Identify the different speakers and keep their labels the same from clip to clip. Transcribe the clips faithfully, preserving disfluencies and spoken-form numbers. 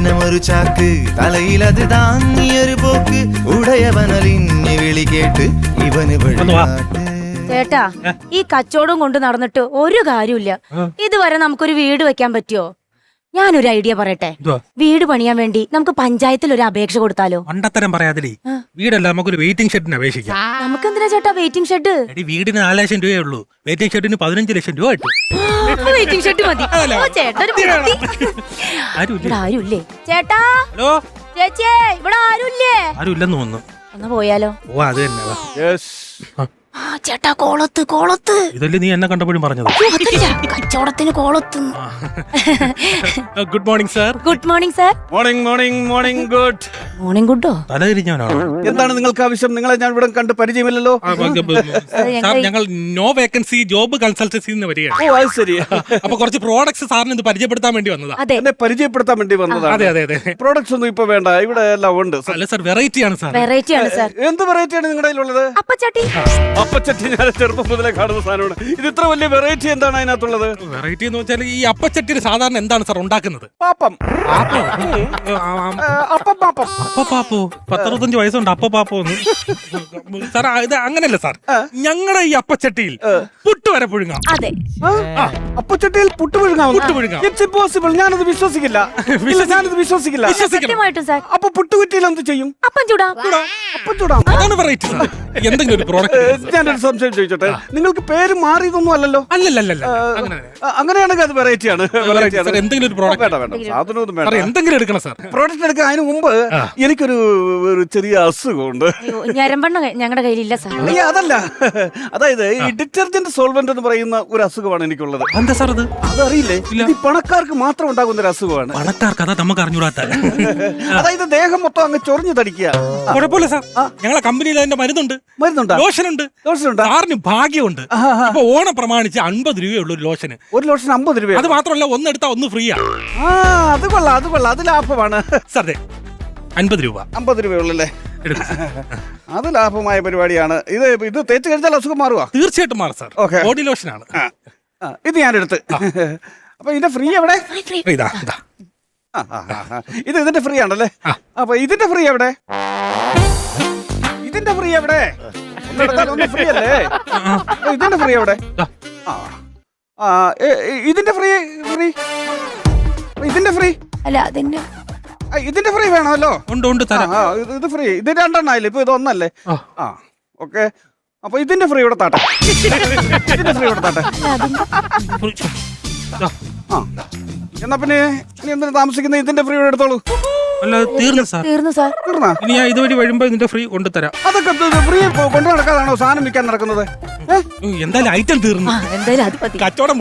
Speaker 1: സ്വപ്നമൊരു ചാക്ക് തലയിലത് താങ്ങിയൊരു പോക്ക് ഉടയവനലിഞ്ഞ് വിളി കേട്ട് ഇവന് വഴിപാട്ട്.
Speaker 2: ചേട്ടാ, ഈ കച്ചവടം കൊണ്ട് നടന്നിട്ട് ഒരു കാര്യമില്ല. ഇതുവരെ നമുക്കൊരു വീട് വെക്കാൻ പറ്റുമോ? ഞാനൊരു ഐഡിയ പറയട്ടെ. വീട് പണിയാൻ വേണ്ടി നമുക്ക് പഞ്ചായത്തിൽ ഒരു അപേക്ഷ കൊടുത്താലോ?
Speaker 3: മണ്ടത്തരം പറയാതില്ലേ, വീടല്ല നമുക്കൊരു വെയിറ്റിംഗ് ഷെഡിന് അപേക്ഷിക്കാം.
Speaker 2: നമുക്ക് എന്തിനാ ചേട്ടാ വെയിറ്റിംഗ് ഷെഡ്?
Speaker 3: വീടിന് നാല് ലക്ഷം രൂപയേ ഉള്ളൂ, വെയിറ്റിംഗ് ഷെഡിന് പതിനഞ്ച് ലക്ഷം രൂപ കിട്ടും.
Speaker 2: വെയിറ്റിംഗ് ഷെഡ് മതി. ഓ, ചേട്ടാ ഒരു ബുദ്ധി. ഇവിടെ ആരുമില്ലേ ചേട്ടാ?
Speaker 3: ഹലോ
Speaker 2: ചേച്ചിയെ, ഇവിടെ ആരുമില്ലേ?
Speaker 3: ആരും ഇല്ലെന്ന് തോന്നുന്നു.
Speaker 2: ഒന്ന് പോയാലോ?
Speaker 3: ഓ അത് തന്നെ.
Speaker 2: ആ ചേട്ടാ, കോളത്ത് കോളത്ത്.
Speaker 3: ഇതല്ലേ നീ എന്നെ കണ്ടപ്പോഴും പറഞ്ഞത്?
Speaker 2: കച്ചവടത്തിന് കോളത്ത്.
Speaker 3: Good morning sir.
Speaker 2: Good morning sir.
Speaker 4: Morning morning morning good
Speaker 2: morning ഗുഡോ?
Speaker 3: തലതിരിഞ്ഞവനാണ്.
Speaker 4: എന്താണ് നിങ്ങൾക്ക് ആവശ്യം? നിങ്ങളെ ഞാൻ ഇവിടെ കണ്ട് പരിചയമില്ലല്ലോ.
Speaker 3: സാർ, ഞങ്ങൾ നോ വേക്കൻസി ജോബ് കൺസൾട്ടൻസി വരികയാണ്.
Speaker 4: ഓ അത് ശരി.
Speaker 3: അപ്പൊ കുറച്ച് പ്രോഡക്ട്സ് സാറിന് ഇത് പരിചയപ്പെടുത്താൻ വേണ്ടി വന്നതാ.
Speaker 2: അതെ,
Speaker 4: എന്നെ പരിചയപ്പെടുത്താൻ വേണ്ടി വന്നതാണ്.
Speaker 3: അതെ അതെ അതെ.
Speaker 4: പ്രോഡക്ട്സ് ഒന്നും ഇപ്പൊ വേണ്ട, ഇവിടെ എല്ലാം ഉണ്ട്.
Speaker 3: അല്ല സാർ, വെറൈറ്റി ആണ് സാർ.
Speaker 2: വെറൈറ്റി ആണ് സാർ.
Speaker 4: എന്ത് വെറൈറ്റി ആണ് നിങ്ങളുടെ കയ്യിലുള്ളത്?
Speaker 2: അപ്പച്ചട്ടി.
Speaker 4: അപ്പച്ചട്ടി ഞാൻ ചെറുപ്പം മുതലേ കാണുന്ന സാധനമാണ്. ഇത് ഇത്ര വലിയ വെറൈറ്റി എന്താണ് അതിനകത്തുള്ളത്?
Speaker 3: വെറൈറ്റി എന്ന് വെച്ചാൽ ഈ അപ്പച്ചട്ടിയിൽ സാധാരണ എന്താണ് സാർ ഉണ്ടാക്കുന്നത്?
Speaker 4: പാപ്പം.
Speaker 3: പാപ്പോ?
Speaker 4: അപ്പം പാപ്പം.
Speaker 3: അപ്പ പാപ്പോ? പത്തറുപത്തഞ്ച് വയസ്സുണ്ട് അപ്പ പാപ്പോ എന്ന്. സാർ ഇത് അങ്ങനല്ല സാർ, ഞങ്ങളുടെ ഈ അപ്പച്ചട്ടിയിൽ പുട്ട് വരെ പുഴുങ്ങാം.
Speaker 2: അതെ,
Speaker 4: അപ്പച്ചട്ടിയിൽ പുട്ട് പുഴുങ്ങാം.
Speaker 3: പുട്ട് പുഴുങ്ങാം.
Speaker 4: It's impossible. ഞാനത് വിശ്വസിക്കില്ല. ഞാനത് വിശ്വസിക്കില്ല.
Speaker 2: സത്യമായിട്ടും സാർ.
Speaker 4: അപ്പൊ പുട്ടുകുറ്റിയിൽ എന്ത് ചെയ്യും?
Speaker 2: അപ്പം ചൂടാം.
Speaker 4: അപ്പം ചൂടാം.
Speaker 3: അതാണ് വെറൈറ്റി സാർ. എന്തെങ്കിലും ഒരു പ്രോഡക്റ്റ്.
Speaker 4: ഞാനൊരു സംശയം ചോദിച്ചോട്ടെ, നിങ്ങൾക്ക് പേര് മാറിയതൊന്നും അല്ലല്ലോ?
Speaker 3: അല്ലല്ലല്ല,
Speaker 4: അങ്ങനെയാണെങ്കിൽ അത് വെറൈറ്റി ആണ്.
Speaker 3: എന്തെങ്കിലും ഒരു പ്രോഡക്റ്റ്.
Speaker 4: വേണ്ട വേണ്ട, സാധനമൊന്നും വേണ്ട.
Speaker 3: എന്തെങ്കിലും എടുക്കണം സാർ.
Speaker 4: പ്രോഡക്റ്റ് എടുക്കാൻ അതിന് മുമ്പ് എനിക്കൊരു ഒരു ചെറിയ അസുഖമുണ്ട്.
Speaker 2: ഞരമ്പെണ്ണ ഞങ്ങളുടെ കയ്യിലില്ല സാർ.
Speaker 4: അയ്യ, അതല്ല, അതായത് ഈ ഡിറ്റർജന്റ് സോൾവെന്റ് എന്ന് പറയുന്ന ഒരു അസുഖമാണ് എനിക്കുള്ളത്.
Speaker 3: എന്താ സാർ അത്?
Speaker 4: അതറിയില്ലേ? ഇത് ഈ പണക്കാർക്ക് മാത്രം ഉണ്ടാകുന്ന ഒരു അസുഖമാണ്.
Speaker 3: പണക്കാർക്ക് അതാ നമുക്ക് അറിഞ്ഞൂടാത്ത.
Speaker 4: അതായത് ദേഹം മൊത്തം അങ്ങ് ചൊറിഞ്ഞു തടിക്കുക.
Speaker 3: കുഴപ്പമില്ല സാർ, ഞങ്ങളെ കമ്പനിയിൽ അതിന്റെ മരുന്നുണ്ട്,
Speaker 4: മരുന്നുണ്ട്,
Speaker 3: ലോഷനുണ്ട്.
Speaker 4: ലോഷനുണ്ട്.
Speaker 3: സാറിന് ഭാഗ്യമുണ്ട്. ഇപ്പൊ ഓണം പ്രമാണിച്ച് അൻപത് രൂപയുള്ളൂ ഒരു ലോഷന്.
Speaker 4: ഒരു ലോഷൻ അമ്പത് രൂപ.
Speaker 3: അത് മാത്രമല്ല, ഒന്നെടുത്താ ഒന്ന് ഫ്രീയാ.
Speaker 4: ആ അത് കൊള്ളാം, അത് കൊള്ളാം, അത് ലാഭമാണ്
Speaker 3: സാർ. അൻപത് രൂപ.
Speaker 4: അമ്പത് രൂപയുള്ളല്ലേ? അത് ലാഭമായ പരിപാടിയാണ്. ഇത് ഇത് തേച്ച് കഴിച്ചാൽ അസുഖം മാറുക?
Speaker 3: തീർച്ചയായിട്ടും മാറും സാർ.
Speaker 4: Okay,
Speaker 3: body ലോഷനാണ്.
Speaker 4: ഇത് ഞാനെടുത്ത്. അപ്പൊ ഇതിന്റെ ഫ്രീ എവിടെ?
Speaker 3: ഇതാ ഇതാ.
Speaker 4: ഇത് ഇതിന്റെ ഫ്രീ ആണല്ലേ? അപ്പൊ ഇതിന്റെ ഫ്രീ എവിടെ? ഇതിന്റെ ഫ്രീ എവിടെ? ഒന്ന് ഫ്രീ അല്ലേ? ഇതിന്റെ ഫ്രീ എവിടെ? ആ ഇതിന്റെ ഫ്രീ ഫ്രീ ഇതിന്റെ ഫ്രീ
Speaker 2: അല്ല അതിന്റെ
Speaker 4: ഇതിന്റെ ഫ്രീ വേണമല്ലോ.
Speaker 3: ഉണ്ട് ഉണ്ട് തരാം.
Speaker 4: ഇത് ഫ്രീ. ഇത് രണ്ടെണ്ണായില്ലേ? ഇപ്പൊ ഇത് ഒന്നല്ലേ? ആ ഓക്കെ. അപ്പൊ ഇതിന്റെ ഫ്രീ ഇവിടെ താട്ടെ. ഇതിന്റെ ഫ്രീ ഇവിടെ താട്ടെ. ആ എന്നാ പിന്നെ ഇനി എന്തിനാ താമസിക്കുന്നത്? ഇതിന്റെ ഫ്രീ ഇവിടെ എടുത്തോളൂ.
Speaker 3: അല്ല തീർന്നു സാർ.
Speaker 2: തീർന്നു സാർ.
Speaker 4: തീർന്നാ?
Speaker 3: ഇനി ഞാൻ ഇതുവഴി വരുമ്പോ ഇതിന്റെ ഫ്രീ കൊണ്ടുതരാം.
Speaker 4: അതൊക്കെ ഫ്രീ കൊണ്ടു നടക്കാതാണോ സാധനം വിൽക്കാൻ നടക്കുന്നത്?
Speaker 3: എന്തായാലും ഐറ്റം തീർന്നു.
Speaker 2: എന്തായാലും അത് മതി.
Speaker 3: കച്ചവടം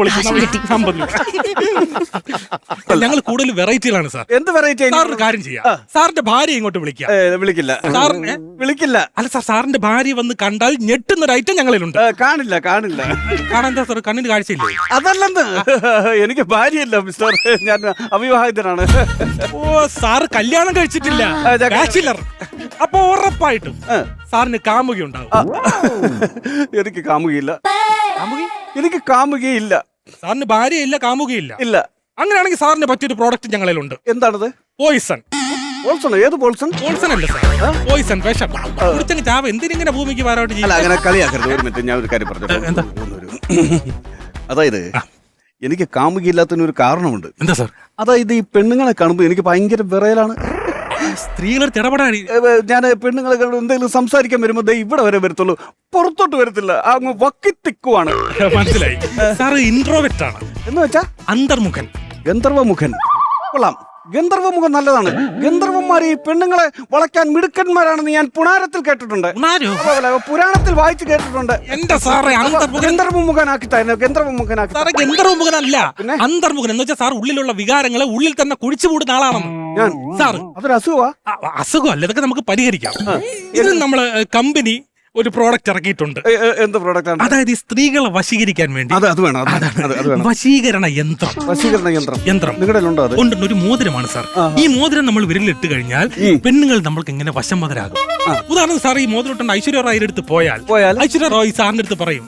Speaker 3: ഞങ്ങൾ കൂടുതൽ വെറൈറ്റികളാണ് സാർ.
Speaker 4: എന്ത് വെറൈറ്റി?
Speaker 3: സാറിന് കാര്യം ചെയ്യാം, സാറിന്റെ ഭാര്യ ഇങ്ങോട്ട് വിളിക്കാം.
Speaker 4: വിളിക്കില്ല
Speaker 3: സാറിന്
Speaker 4: വിളിക്കില്ല.
Speaker 3: അല്ല സാർ, സാറിന്റെ ഭാര്യ വന്ന് കണ്ടാൽ ഞെട്ടുന്ന ഒരു ഐറ്റം ഞങ്ങളിലുണ്ട്.
Speaker 4: കാണില്ല കാണില്ല.
Speaker 3: കാണാൻ സാർ കണ്ണിന് കാഴ്ചയില്ലേ?
Speaker 4: അതല്ലെന്ന്, എനിക്ക് ഭാര്യയില്ല മിസ്റ്റർ, ഞാൻ അവിവാഹിതനാണ്.
Speaker 3: ഓ സാറ് കല്യാണം കഴിച്ചിട്ടില്ല, ബാച്ചിലർ. അപ്പൊ ഉറപ്പായിട്ടും സാറിന് കാമുകി ഉണ്ടാവും.
Speaker 4: എനിക്ക് കാമുകയില്ല. എനിക്ക് കാമുകയില്ല.
Speaker 3: സാറിന് ഭാര്യയില്ല, കാമുകയില്ല.
Speaker 4: ഇല്ല.
Speaker 3: അങ്ങനെയാണെങ്കിൽ സാറിന് പറ്റിയൊരു പ്രോഡക്റ്റ് ഞങ്ങളിലുണ്ട്.
Speaker 4: എന്താണത്?
Speaker 3: പോയിസൺ.
Speaker 4: പോൾസൺ? ഏത് പോൾസൺ?
Speaker 3: പോൾസൺ അല്ല സാർ, പോയിസൺ, വിഷം. കുടിച്ചങ്ങ് ചാവ. എന്തിനിങ്ങനെ ഭൂമിക്ക് പാരോട്ട്
Speaker 4: ചെയ്യും? അങ്ങനെ കളിയാക്കരുത്. ഒരു മിനിറ്റ്, ഞാൻ ഒരു കാര്യം പറഞ്ഞു.
Speaker 3: എന്താ?
Speaker 4: അതായത് എനിക്ക് കാമുകയില്ലാത്തതിന് ഒരു കാരണമുണ്ട്.
Speaker 3: എന്താ സാർ?
Speaker 4: അതായത് ഈ പെണ്ണുങ്ങളെ കാണുമ്പോൾ എനിക്ക് ഭയങ്കര വിറയലാണ്.
Speaker 3: സ്ത്രീകളെ ഇടപെടാൻ
Speaker 4: ഞാൻ പെണ്ണുങ്ങളെ എന്തെങ്കിലും സംസാരിക്കാൻ വരുമ്പോ ദേ ഇവിടെ വരെ വരത്തുള്ളൂ, പുറത്തോട്ട് വരത്തില്ല. അങ്ങ് വക്കിത്തിക്കുവാണ്.
Speaker 3: മനസ്സിലായി സാർ. ഇൻട്രോവെറ്റ് ആണ്
Speaker 4: എന്ന് വെച്ചാ
Speaker 3: അന്തർമുഖൻ,
Speaker 4: ഗന്ധർവമുഖൻ. കൊള്ളാം, ഗന്ധർവമുഖം നല്ലതാണ്. ഗന്ധർവന്മാർ ഈ പെണ്ണുങ്ങളെ വളയ്ക്കാൻ മിടുക്കന്മാരാണെന്ന് ഞാൻ പുരാണത്തിൽ കേട്ടിട്ടുണ്ട്. പുരാണത്തിൽ വായിച്ചു കേട്ടിട്ടുണ്ട്.
Speaker 3: എന്റെ സാറേ,
Speaker 4: ഗന്ധർവമുഖനാക്കി തന്നെ. ഗന്ധർവമുഖനാക്കി.
Speaker 3: സാറേ ഗന്ധർവമുഖനല്ല, അന്തർമുഖൻ എന്ന് വെച്ചാൽ സാർ ഉള്ളിലുള്ള വികാരങ്ങളെ ഉള്ളിൽ തന്നെ കുഴിച്ചുകൂടുന്ന ആളാണെന്ന്.
Speaker 4: ഞാൻ
Speaker 3: സാർ
Speaker 4: അതൊരു അസുഖമാ?
Speaker 3: അസുഖമല്ല, ഇതൊക്കെ നമുക്ക് പരിഹരിക്കാം. ഇത് നമ്മള് കമ്പനി ഒരു പ്രോഡക്റ്റ് ഇറക്കിയിട്ടുണ്ട്.
Speaker 4: എന്ത് പ്രോഡക്റ്റ് ആണ്?
Speaker 3: അതായത് ഈ സ്ത്രീകളെ വശീകരിക്കാൻ വേണ്ടി
Speaker 4: അത് വേണം.
Speaker 3: വശീകരണ യന്ത്രം.
Speaker 4: വശീകരണ യന്ത്രം
Speaker 3: യന്ത്രം
Speaker 4: നിങ്ങളുടെ ഉണ്ടോ? അത്
Speaker 3: ഉണ്ട്. ഒരു മോതിരമാണ് സാർ. ഈ മോതിരം നമ്മൾ വിരലിട്ട് കഴിഞ്ഞാൽ പെണ്ണുങ്ങൾ നമ്മൾക്ക് എങ്ങനെ വശംവദരാകും. ഉദാഹരണം സാർ, ഈ മോതിരം ഐശ്വര്യ റായിയുടെ അടുത്ത് പോയാൽ ഐശ്വര്യ റായ് സാറിന്റെ അടുത്ത് പറയും,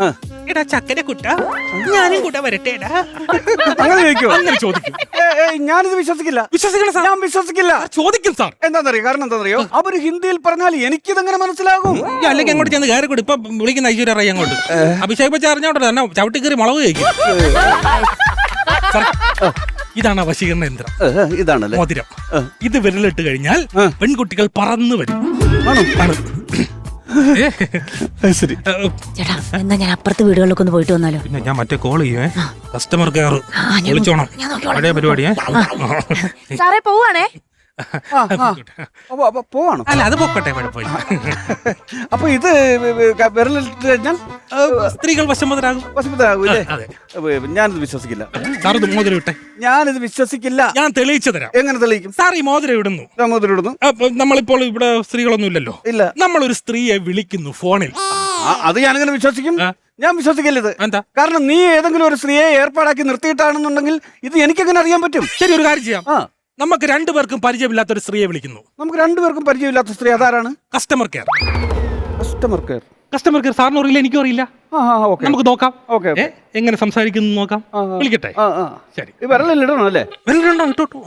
Speaker 3: എടാ ചക്കര കുട്ട ഞാനും കൂടെ വരട്ടേടാ
Speaker 4: അങ്ങനെ ചോദിക്കോ?
Speaker 3: അങ്ങനെ ചോദിക്കും.
Speaker 4: ഏ, ഏ, ഞാനിത് വിശ്വസിക്കില്ല.
Speaker 3: വിശ്വസിക്കണം സാർ.
Speaker 4: ഞാൻ വിശ്വസിക്കില്ല.
Speaker 3: ചോദിക്കും സാർ.
Speaker 4: എന്താണെന്നറിയോ? കാരണം എന്താണെന്നറിയോ? അവര് ഹിന്ദിയിൽ പറഞ്ഞാൽ എനിക്കിതെങ്ങനെ മനസ്സിലാകും?
Speaker 3: ഈ അല്ലെങ്കിൽ അങ്ങോട്ട് ചെന്ന് കയറി കൂടി ഇപ്പൊ വിളിക്കുന്ന ഐശ്വര്യ റായി അങ്ങോട്ട് അഭിഷേക് ബച്ചൻ അറിഞ്ഞോട്ടെ തന്നെ ചവിട്ടി കയറി മുളക് കഴിക്കും. സാർ, ഇതാണ് ആ വശീകരണ യന്ത്രം.
Speaker 4: ഏ, ഇതാണല്ലേ
Speaker 3: മോതിരം. ഇത് വിരലിട്ട് കഴിഞ്ഞാൽ പെൺകുട്ടികൾ പറന്നു വരും. ആണ്. ഏ,
Speaker 4: ശരി.
Speaker 3: ഏ,
Speaker 2: ചേട്ടാ എന്നാ ഞാൻ അപ്പുറത്തെ വീടുകളിലൊക്കെ ഒന്ന് പോയിട്ട് വന്നാലോ?
Speaker 3: പിന്നെ ഞാൻ മറ്റേ കോൾ ചെയ്യുവേ കസ്റ്റമർ കെയർ
Speaker 2: ഞാൻ
Speaker 3: വിളിച്ചോണം.
Speaker 2: ഞാൻ നോക്കിക്കോളാം.
Speaker 3: പഴയ പരിപാടിയേ.
Speaker 2: സാറേ പോവാണേ.
Speaker 4: ആ, ആ. അപ്പൊ അപ്പൊ പോവാണോ?
Speaker 3: അല്ല അത് പൊക്കട്ടെ കുഴപ്പമില്ല.
Speaker 4: അപ്പൊ ഇത് വിരലിട്ട് കഴിഞ്ഞാൽ
Speaker 3: സ്ത്രീകൾ വശംവദരാകും.
Speaker 4: വശുദ്ധരാകൂല്ലേ?
Speaker 3: അതെ.
Speaker 4: ഞാനിത് വിശ്വസിക്കില്ല.
Speaker 3: സാർ ഇത് മോതിരം ഇട്ടെ.
Speaker 4: ഞാനിത് വിശ്വസിക്കില്ല.
Speaker 3: ഞാൻ തെളിയിച്ചു തരാം.
Speaker 4: എങ്ങനെ തെളിയിക്കും?
Speaker 3: സാർ ഈ മോതിരം ഇടുന്നു.
Speaker 4: രാമോദരിടുന്നു.
Speaker 3: അപ്പൊ നമ്മളിപ്പോൾ ഇവിടെ സ്ത്രീകളൊന്നും ഇല്ലല്ലോ.
Speaker 4: ഇല്ല.
Speaker 3: നമ്മളൊരു സ്ത്രീയെ വിളിക്കുന്നു ഫോണിൽ.
Speaker 4: ആ, അത് ഞാനെങ്ങനെ വിശ്വസിക്കും?
Speaker 3: ആ.
Speaker 4: ഞാൻ വിശ്വസിക്കില്ല ഇത്.
Speaker 3: എന്താ?
Speaker 4: കാരണം നീ ഏതെങ്കിലും ഒരു സ്ത്രീയെ ഏർപ്പാടാക്കി നിർത്തിയിട്ടാണെന്നുണ്ടെങ്കിൽ ഇത് എനിക്കെങ്ങനെ അറിയാൻ പറ്റും?
Speaker 3: ശരി, ഒരു കാര്യം ചെയ്യാം.
Speaker 4: ആ,
Speaker 3: നമുക്ക് രണ്ടുപേർക്കും പരിചയമില്ലാത്ത ഒരു സ്ത്രീയെ വിളിക്കുന്നു.
Speaker 4: നമുക്ക് രണ്ടുപേർക്കും പരിചയമില്ലാത്ത സ്ത്രീ അതാരാണ്?
Speaker 3: Customer care.
Speaker 4: Customer care.
Speaker 3: Customer care സാറിന് അറിയില്ല, എനിക്കും അറിയില്ല.
Speaker 4: ആ, ആ, ഓക്കെ.
Speaker 3: നമുക്ക് നോക്കാം.
Speaker 4: ഓക്കെ,
Speaker 3: ഏ, എങ്ങനെ സംസാരിക്കുന്നു നോക്കാം.
Speaker 4: ആ, ആ.
Speaker 3: വിളിക്കട്ടെ.
Speaker 4: ആ, ആ.
Speaker 3: ശരി.
Speaker 4: ഈ വിരലിടണം അല്ലേ?
Speaker 3: വരലുണ്ടോ? ഇട്ടോട്ടു.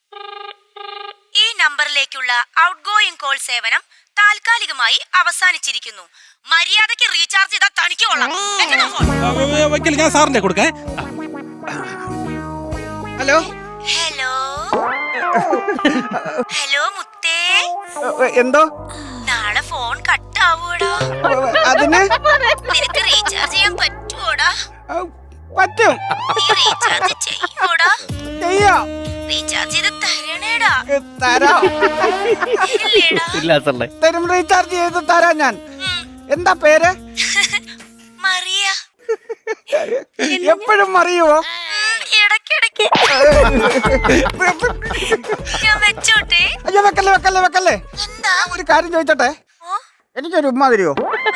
Speaker 2: ഈ നമ്പറിലേക്കുള്ള ഔട്ട് ഗോയിങ് കോൾ സേവനം താൽക്കാലികമായി അവസാനിച്ചിരിക്കുന്നു. മര്യാദയ്ക്ക് റീചാർജ് ചെയ്താൽ തനിക്ക് കൊള്ളാം. വെക്കണോ ഫോൺ?
Speaker 3: വയ്ക്കല് ഞാൻ സാറിന്റെ കൊടുക്കേ.
Speaker 4: ഹലോ.
Speaker 2: ഹലോ ഹലോ മുത്തേ,
Speaker 4: എന്തോ?
Speaker 2: നാളെ ഫോൺ കട്ടാവൂടാ.
Speaker 4: അതിന്
Speaker 2: നിനക്ക് റീചാർജ് ചെയ്യാൻ പറ്റുവോടാ?
Speaker 4: പറ്റും.
Speaker 2: നീ റീചാർജ് ചെയ്യൂടാ?
Speaker 4: ചെയ്യാം.
Speaker 2: റീചാർജ് ചെയ്ത് തരണേടാ.
Speaker 4: തരാം.
Speaker 2: ഇല്ലേടാ?
Speaker 4: ഇല്ല സാറേ. തരും, റീചാർജ് ചെയ്ത് തരാം ഞാൻ. എന്താ പേര്?
Speaker 2: മറിയ.
Speaker 4: എപ്പോഴും അറിയുവോ?
Speaker 2: ഇടയ്ക്കിടയ്ക്ക്. ഞാൻ വെച്ചോട്ടെ?
Speaker 4: അയ്യോ, വെക്കല്ലേ വെക്കല്ലേ വെക്കല്ലേ.
Speaker 2: എന്താ?
Speaker 4: ഒരു കാര്യം ചോദിച്ചോട്ടെ?
Speaker 2: ഓ,
Speaker 4: എനിക്കൊരു ഉമ്മ തരുവോ?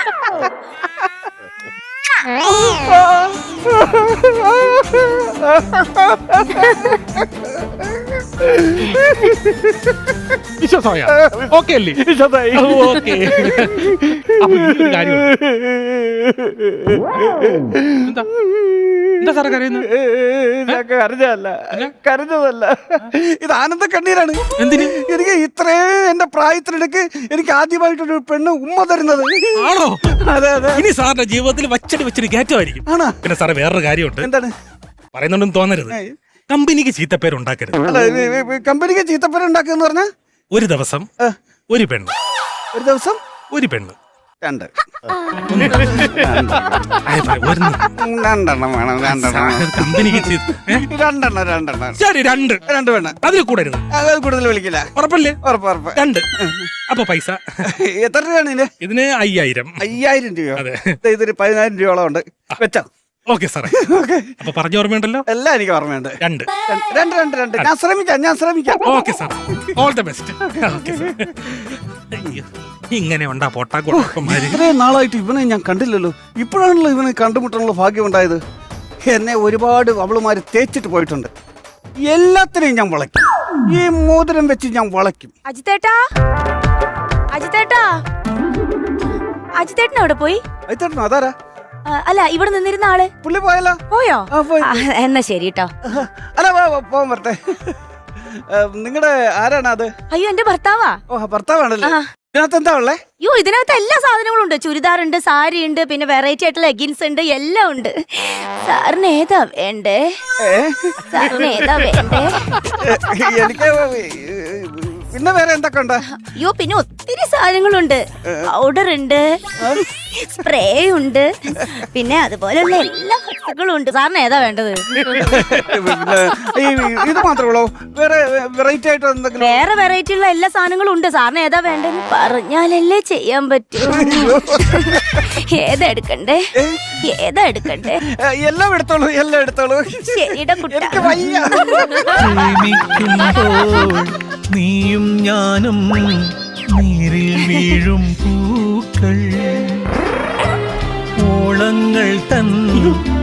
Speaker 3: വിശ്വാസമായ ഓക്കെ അല്ലേ?
Speaker 4: വിശ്വസായി.
Speaker 3: ഓക്കെ. അപ്പൊ ഈ ഒരു കാര്യമുണ്ട്. എന്താ എന്താ സാറേ കരയുന്നത്?
Speaker 4: കരഞ്ഞല്ല, കരഞ്ഞതല്ല. ഇത് ആനന്ദ കണ്ണീരാണ്.
Speaker 3: എന്തിന്?
Speaker 4: എനിക്ക് ഇത്രേ എന്റെ പ്രായത്തിനിടയ്ക്ക് എനിക്ക് ആദ്യമായിട്ടൊരു പെണ്ണ് ഉമ്മ തരുന്നത്.
Speaker 3: ആണോ?
Speaker 4: അതെ അതെ.
Speaker 3: ഇനി സാറിന്റെ ജീവിതത്തിൽ വച്ചടി വെച്ചടി കയറ്റമായിരിക്കും.
Speaker 4: ആണോ?
Speaker 3: പിന്നെ സാറേ വേറൊരു കാര്യമുണ്ട്.
Speaker 4: എന്താണ്?
Speaker 3: പറയുന്നുണ്ടെന്ന് തോന്നരുത്. കമ്പനിക്ക് ചീത്തപ്പേരുണ്ടാക്കരുത്.
Speaker 4: അല്ല, കമ്പനിക്ക് ചീത്തപ്പേര് ഉണ്ടാക്കുക പറഞ്ഞാ
Speaker 3: ഒരു ദിവസം ഒരു പെണ്ണ്,
Speaker 4: ഒരു ദിവസം
Speaker 3: ഒരു പെണ്ണ്,
Speaker 4: രണ്ട്
Speaker 3: ഒരെണ്ണം.
Speaker 4: രണ്ടെണ്ണം വേണം. രണ്ടെണ്ണം
Speaker 3: കമ്പനിക്ക് ചീത്ത- ഏ?
Speaker 4: രണ്ടെണ്ണം രണ്ടെണ്ണം
Speaker 3: ശരി, രണ്ട്.
Speaker 4: രണ്ട് പെണ്ണ്.
Speaker 3: അതിൽ കൂടരുത്.
Speaker 4: അത് കൂടുതൽ വിളിക്കില്ല.
Speaker 3: ഉറപ്പല്ലേ?
Speaker 4: ഉറപ്പ് ഉറപ്പ്.
Speaker 3: രണ്ട്. അപ്പൊ പൈസ
Speaker 4: എത്ര രൂപയാണ് ഇതിന്?
Speaker 3: ഇതിന് അയ്യായിരം.
Speaker 4: അയ്യായിരം രൂപയോ?
Speaker 3: അതെ.
Speaker 4: ദേ ഇതൊരു പതിനായിരം രൂപയോളം ഉണ്ട്. വെച്ചോ.
Speaker 3: ഓക്കെ സാറേ. അപ്പൊ പറഞ്ഞ ഓർമ്മയുണ്ടല്ലോ.
Speaker 4: എല്ലാം എനിക്ക് ഓർമ്മയുണ്ട്.
Speaker 3: രണ്ട്
Speaker 4: രണ്ട് രണ്ട് രണ്ട് ഞാൻ ശ്രമിക്കാം, ഞാൻ ശ്രമിക്കാം.
Speaker 3: Okay sir, all the best. Okay sir. അയ്യോ, ഇങ്ങനെ ഉണ്ടാ പൊട്ടാക്കോട്ടന്മാര്.
Speaker 4: ഇത്രയും നാളായിട്ട് ഇവനെ ഞാൻ കണ്ടില്ലല്ലോ. ഇപ്പോഴാണല്ലോ ഇവനെ കണ്ടുമുട്ടാനുള്ള ഭാഗ്യം ഉണ്ടായത്. എന്നെ ഒരുപാട് അവളുമാര് തേച്ചിട്ട് പോയിട്ടുണ്ട്. എല്ലാത്തിനെയും ഞാൻ വളയ്ക്കും. ഈ മോതിരം വെച്ച് ഞാൻ വളയ്ക്കും.
Speaker 2: അജിത്തേട്ടാ, അജിത്തേട്ടാ, അജിത്തേട്ടൻ എവിടെ പോയി?
Speaker 4: അയത്തേട്ടനോ? അതാരാ?
Speaker 2: ആ, അല്ല ഇവിടെ നിന്നിരുന്ന ആള്
Speaker 4: പുള്ളി പോയല്ലോ.
Speaker 2: പോയോ?
Speaker 4: ആ, പോയി.
Speaker 2: ആ, എന്നാ ശരി കേട്ടോ.
Speaker 4: അല്ല, പോ- പോ- പോവാൻ വരട്ടെ. നിങ്ങളുടെ ആരാണ് അത്?
Speaker 2: അയ്യോ എന്റെ ഭർത്താവാ.
Speaker 4: ഓ, ഭർത്താവാണല്ലേ.
Speaker 2: ആ.
Speaker 4: ഇതിനകത്ത് എന്താ ഉള്ളേ?
Speaker 2: അയ്യോ ഇതിനകത്ത് എല്ലാ സാധനങ്ങളും ഉണ്ട്. ചുരിദാർ ഉണ്ട്, സാരി ഉണ്ട്, പിന്നെ വെറൈറ്റി ആയിട്ടുള്ള ലെഗിൻസ് ഉണ്ട്, എല്ലാം ഉണ്ട്. സാറിന് ഏതാ വേണ്ടേ?
Speaker 4: ഏ?
Speaker 2: സാറിന് ഏതാ വേണ്ടേ?
Speaker 4: എനിക്ക് പിന്നെ വേറെ എന്തൊക്കെ ഉണ്ട്?
Speaker 2: അയ്യോ പിന്നെ ഒത്തിരി സാധനങ്ങളുണ്ട്. പൗഡർ ഉണ്ട്, സ്പ്രേ ഉണ്ട്, പിന്നെ അതുപോലെയുള്ള എല്ലാ വസ്തുക്കളും ഉണ്ട്. സാറിന് ഏതാ വേണ്ടത്?
Speaker 4: പിന്നെ ഈ ഇത് മാത്രമേ ഉള്ളൂ? വേറെ വെറൈറ്റി ആയിട്ട് എന്തെങ്കിലും?
Speaker 2: വേറെ വെറൈറ്റി ഉള്ള എല്ലാ സാധനങ്ങളും ഉണ്ട്. സാറിന് ഏതാ വേണ്ടെന്ന് പറഞ്ഞാലല്ലേ ചെയ്യാൻ പറ്റൂ. ഏതാ എടുക്കണ്ടേ? ഏതാ എടുക്കണ്ടേ?
Speaker 4: എല്ലാം എടുത്തോളൂ, എല്ലാം എടുത്തോളൂ.
Speaker 2: ശരിയുടെ കുട്ട.
Speaker 4: എനിക്ക് വയ്യ.
Speaker 5: പ്രേമിക്കുമ്പോൾ നീയും ഞാനും നീരിൽ വീഴും പൂക്കൾ, ഓളങ്ങൾ തൻ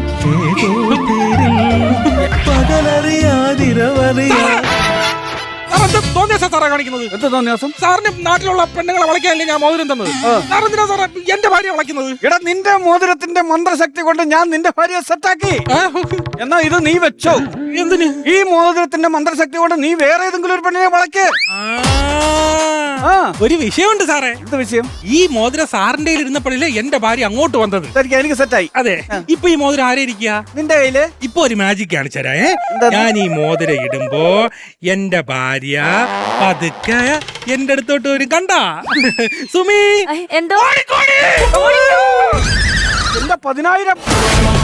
Speaker 5: ഏതോ പേരിൽ പകലറിയാതിരവറിയാ.
Speaker 3: സാർ എന്ത് തോന്നിയ സാറാ കാണിക്കുന്നത്?
Speaker 4: എന്ത് തോന്നിയാസം?
Speaker 3: സാറിന് നാട്ടിലുള്ള പെണ്ണുങ്ങളെ വളയ്ക്കാനല്ലേ ഞാൻ മോതിരം തന്നത്. സാർ എന്തിനാ സാറേ എന്റെ ഭാര്യ വളയ്ക്കുന്നത്?
Speaker 4: എടാ നിന്റെ മോതിരത്തിന്റെ മന്ത്രശക്തി കൊണ്ട് ഞാൻ നിന്റെ ഭാര്യയെ സെറ്റാക്കി. എന്നാ ഇത് നീ വെച്ചോ.
Speaker 3: എന്തിന്?
Speaker 4: ഈ മോതിരത്തിന്റെ മന്ത്രശക്തി കൊണ്ട് നീ വേറെ ഏതെങ്കിലും ഒരു പെണ്ണിനെ വളയ്ക്ക്. ആ.
Speaker 3: ഒരു വിഷയമുണ്ട് സാറേ.
Speaker 4: എന്ത് വിഷയം?
Speaker 3: ഈ മോതിരം സാറിന്റെ ഇരുന്നപ്പോഴല്ലേ എന്റെ ഭാര്യ അങ്ങോട്ട് വന്നത്.
Speaker 4: ശരിക്കും എനിക്ക് സെറ്റായി.
Speaker 3: അതെ, ഇപ്പൊ ഈ മോതിരം ആരെ ഇരിക്കുക?
Speaker 4: നിന്റെ കയ്യില്.
Speaker 3: ഇപ്പൊ ഒരു മാജിക് കാണിച്ചരാ. ഞാൻ ഈ മോതിരം ഇടുമ്പോ എന്റെ ഭാര്യ പതുക്കെ എന്റെ അടുത്തോട്ട് വരും. കണ്ടാ സുമി?
Speaker 2: എന്തോ
Speaker 4: എന്റെ പതിനായിരം